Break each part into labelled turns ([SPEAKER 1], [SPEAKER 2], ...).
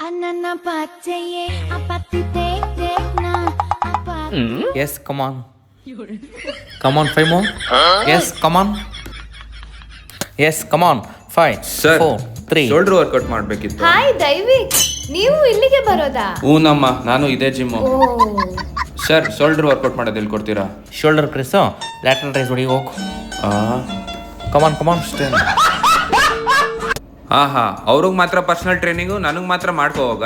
[SPEAKER 1] Yes, come on. Come on, 5 more. Yes, come on. Yes, come on. 5,
[SPEAKER 2] Sir,
[SPEAKER 1] 4, 3.
[SPEAKER 2] Shoulder workout ಮಾಡ್ಬೇಕಿತ್ತು.
[SPEAKER 3] Hi Daivik, ನೀವು ಇಲ್ಲಿಗೆ ಬರೋದಾ?
[SPEAKER 2] ಹೂನಮ್ಮ, ನಾನು ಇದೇ gym. Sir, shoulder workout ಮಾಡೋದು ಹೇಳ್ಕೊಡ್ತೀರಾ?
[SPEAKER 1] Shoulder press, lateral raise ಹೊಡಿ ಹೋಗು. Come on, come on.
[SPEAKER 2] ಹಾ ಅವ್ರಿಗೆ ಮಾತ್ರ ಪರ್ಸನಲ್ ಟ್ರೈನಿಂಗು, ನನಗೆ ಮಾತ್ರ ಮಾಡ್ಕೋ ಹೋಗ.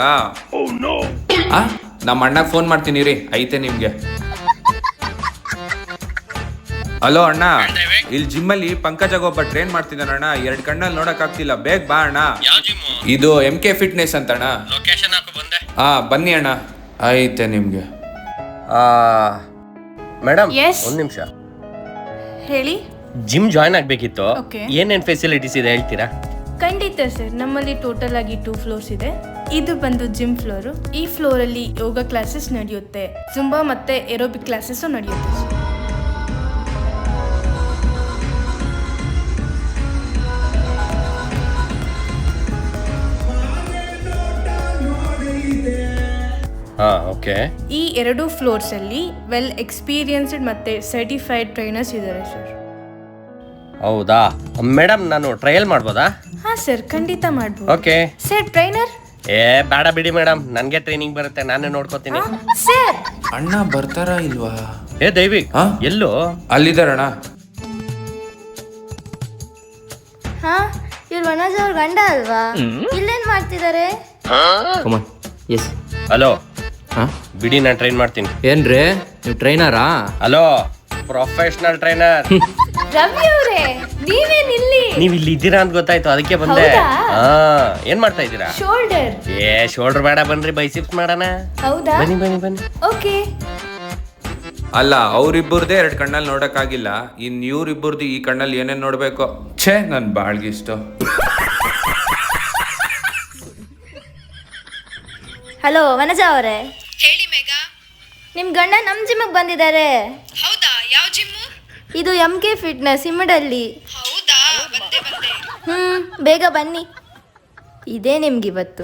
[SPEAKER 2] ನಮ್ಮ ಅಣ್ಣಗೆ ಫೋನ್ ಮಾಡ್ತೀನಿ ರೀ, ಐತೆ ನಿಮ್ಗೆ. ಹಲೋ ಅಣ್ಣ, ಇಲ್ಲಿ ಜಿಮ್ಮಲ್ಲಿ ಪಂಕಜಾಗ ಒಬ್ಬ ಟ್ರೈನ್ ಮಾಡ್ತಿದ್ದಾನಣ್ಣ. 2 ಕಣ್ಣಲ್ಲಿ ನೋಡಕ್ ಆಗ್ತಿಲ್ಲ, ಬೇಗ ಬಾ ಅಣ್ಣ. ಇದು MK ಫಿಟ್ನೆಸ್ ಅಂತ ಅಣ್ಣ. ಬನ್ನಿ ಅಣ್ಣ, ಐತೆ ನಿಮ್ಗೆ.
[SPEAKER 4] Madam
[SPEAKER 3] Yes.
[SPEAKER 4] ಒಂದ್ ನಿಮಿಷ,
[SPEAKER 3] ಹೇಳಿ.
[SPEAKER 4] ಜಿಮ್ ಜಾಯ್ನ್ ಆಗ್ಬೇಕಿತ್ತು.
[SPEAKER 3] Okay.
[SPEAKER 4] ಏನೇನ್ ಫೆಸಿಲಿಟೀಸ್ ಇದೆ ಹೇಳ್ತೀರಾ?
[SPEAKER 3] ಖಂಡಿತ ಸರ್, ನಮ್ಮಲ್ಲಿ ಟೋಟಲ್ ಆಗಿ 2 ಫ್ಲೋರ್ಸ್ ಇದೆ. ಇದು ಬಂದು ಜಿಮ್ ಫ್ಲೋರು. ಈ ಫ್ಲೋರ್ ಅಲ್ಲಿ ಯೋಗ ಕ್ಲಾಸಸ್ ನಡೆಯುತ್ತೆ, ಜುಂಬಾ ಮತ್ತೆ ಏರೋಬಿಕ್ ಕ್ಲಾಸಸ್ ನಡೆಯುತ್ತೆ ಸರ್.
[SPEAKER 4] ಹಾ, ಓಕೆ.
[SPEAKER 3] ಈ 2 ಫ್ಲೋರ್ಸ್ ಅಲ್ಲಿ ವೆಲ್ ಎಕ್ಸ್ಪೀರಿಯನ್ಸ್ಡ್ ಮತ್ತೆ ಸರ್ಟಿಫೈಡ್ ಟ್ರೈನರ್ಸ್ ಇದ್ದಾರೆ ಸರ್.
[SPEAKER 4] ಹೌದಾ ಮೇಡಮ್, ನಾನು ಟ್ರಯಲ್ ಮಾಡ್ಬೋದಾ?
[SPEAKER 3] ಹಾ ಸರ್, ಖಂಡಿತ ಮಾಡ್ಬೋದು.
[SPEAKER 4] ಓಕೆ.
[SPEAKER 3] Sir trainer?
[SPEAKER 4] ಬೇಡ ಬಿಡಿ ಮೇಡಮ್, ನನ್ಗೆ ಟ್ರೈನಿಂಗ್ ಬರುತ್ತೆ, ನಾನೇ ನೋಡ್ಕೋತೀನಿ.
[SPEAKER 3] ಸರ್
[SPEAKER 2] ಅಣ್ಣ ಬರ್ತಾರಾ ಇಲ್ವಾ?
[SPEAKER 4] ದೈವಿಕ್
[SPEAKER 2] ಹಾ?
[SPEAKER 4] ಎಲ್ಲೋ
[SPEAKER 2] ಅಲ್ಲಿದ್ದಾರಣ್ಣ.
[SPEAKER 5] ಹಾ, ಇವ್ರು ವನಜ್ ಅವ್ರ ಗಂಡ ಅಲ್ವಾ? ಇಲ್ಲೇನ್ ಮಾಡ್ತಿದ್ದಾರೆ?
[SPEAKER 1] Come on. Yes.
[SPEAKER 4] ಹಲೋ,
[SPEAKER 1] ಹಾ?
[SPEAKER 4] ಬಿಡಿ, ನಾನು ಟ್ರೈನ್ ಮಾಡ್ತೀನಿ.
[SPEAKER 1] ಏನ್ರಿ ನೀವು ಟ್ರೈನರಾ?
[SPEAKER 4] Hello, professional trainer.
[SPEAKER 3] ರವಿ ಅವರೇ, ನೀವೇನ್ ಇಲ್ಲಿ?
[SPEAKER 4] ನೀವ್ ಇಲ್ಲಿ ಇದ್ದೀರಾ ಅಂತ ಗೊತ್ತಾಯ್ತು, ಅದಕ್ಕೆ ಬಂದೆ.
[SPEAKER 3] ಹೌದಾ?
[SPEAKER 4] ಹಾ, ಏನ್ ಮಾಡ್ತಾ ಇದ್ದೀರಾ?
[SPEAKER 3] ಶೋಲ್ಡರ್.
[SPEAKER 4] ಶೋಲ್ಡರ್ ಬೇಡ, ಬನ್ರಿ ಬೈಸಿಪ್ಸ್ ಮಾಡೋಣ.
[SPEAKER 3] ಹೌದಾ?
[SPEAKER 4] ಬನ್ನಿ ಬನ್ನಿ ಬನ್ನಿ.
[SPEAKER 3] ಓಕೆ.
[SPEAKER 2] ಅಲ್ಲ, ಅವ್ರಿಬ್ಬರದೇ 2 ಕಣ್ಣಲ್ಲಿ ನೋಡಕ್ ಆಗಿಲ್ಲ, ಇನ್ ಇವ್ರಿಬ್ಬರದು ಈ ಕಣ್ಣಲ್ಲಿ ಏನೇನ್ ನೋಡ್ಬೇಕು. ಛೇ, ನನ್ ಬಾಳ್ಗಿಷ್ಟು.
[SPEAKER 5] ಹಲೋ ವನಜ ಅವರೇ,
[SPEAKER 3] ಹೇಳಿ ಮೇಘಾ.
[SPEAKER 5] ನಿಮ್ ಗಂಡ ನಮ್ ಜಿಮ್ಗೆ ಬಂದಿದ್ದಾರೆ.
[SPEAKER 3] ಹೌದಾ? ಯಾವ ಜಿಮ್ಮು?
[SPEAKER 5] ಇದು MK ಫಿಟ್ನೆಸ್ ಇಮ್ಮಡಲ್ಲಿ.
[SPEAKER 3] ಹೌದಾ? ಬಂದೆ.
[SPEAKER 5] ಬೇಗ ಬನ್ನಿ, ಇದೇ ನಿಮ್ಗಿವತ್ತು.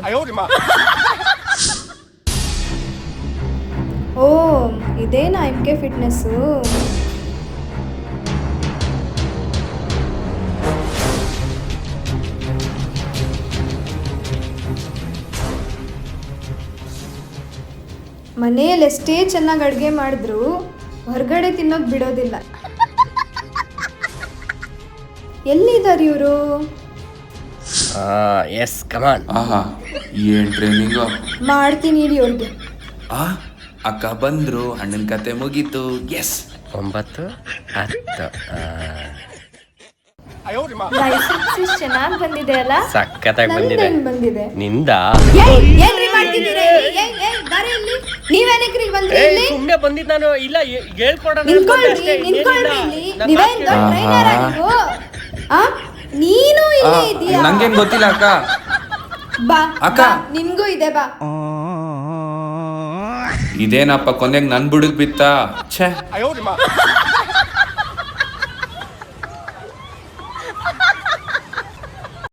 [SPEAKER 3] ಓ, ಇದೇನಾ MK ಫಿಟ್ನೆಸ್ಸು?
[SPEAKER 6] ಮನೆಯಲ್ಲಿ ಎಷ್ಟೇ ಚೆನ್ನಾಗಿ ಅಡುಗೆ ಮಾಡಿದ್ರು ಹೊರಗಡೆ ತಿನ್ನೋದು ಬಿಡೋದಿಲ್ಲ. ಎಲ್ಲಿದ್ದಾರೆ ಇವರು?
[SPEAKER 4] Yes, come on.
[SPEAKER 2] ಆಹಾ, ಏನ್ ಟ್ರೈನಿಂಗು.
[SPEAKER 6] ಮಾಡ್ತೀನಿ ಇಡಿ ಅವ್ರಿಗೆ.
[SPEAKER 2] ಅಕ್ಕ ಬಂದ್ರು, ಅಣ್ಣನ ಕತೆ ಮುಗೀತು. ಎಸ್.
[SPEAKER 4] 9, 10.
[SPEAKER 3] ಬೈಸೆಪ್ಸ್ ಚೆನ್ನಾಗಿ ಬಂದಿದೆ ಅಲ್ಲ?
[SPEAKER 4] ಸಖತ್ತಾಗಿ ಬಂದಿದೆ.
[SPEAKER 6] ನಂದೇನ್ ಬಂದಿದೆ?
[SPEAKER 4] ನಿಂದ
[SPEAKER 6] ಏನ್ರಿ ಮಾಡ್ತಿದ್ದೀರಾ ಇಲ್ಲಿ? ಬಾರೆ ಇಲ್ಲಿ. ನೀವೇನಕ್ರಿ ಬಂದ್ರಿ ಇಲ್ಲಿ?
[SPEAKER 4] ಸುಮ್ಮನೆ ಬಂದಿದ್ದು ನಾನು. ಇಲ್ಲ, ಹೇಳ್ಕೊಡೋಣ.
[SPEAKER 6] ನಿಂತ್ಕೊಳ್ರಿ ಇಲ್ಲಿ. ನೀವೇನ್ ದೊಡ್ಡ ಟ್ರೈನರ್ ನೀವು? ನೀನು ಇಲ್ಲೇ ಇದೀಯಾ?
[SPEAKER 2] ನಂಗೇನ್ ಗೊತ್ತಿಲ್ಲ ಅಕ್ಕ.
[SPEAKER 6] ಬಾ
[SPEAKER 2] ಅಕ್ಕ.
[SPEAKER 6] ಬಾ, ನಿಮ್ಗೂ ಇದೆ ಬಾ.
[SPEAKER 2] ಇದೇನಪ್ಪ ಕೊನೆಗೆ ನನ್ ಬುಡಕ್ ಬಿತ್ತ. ಛೇ.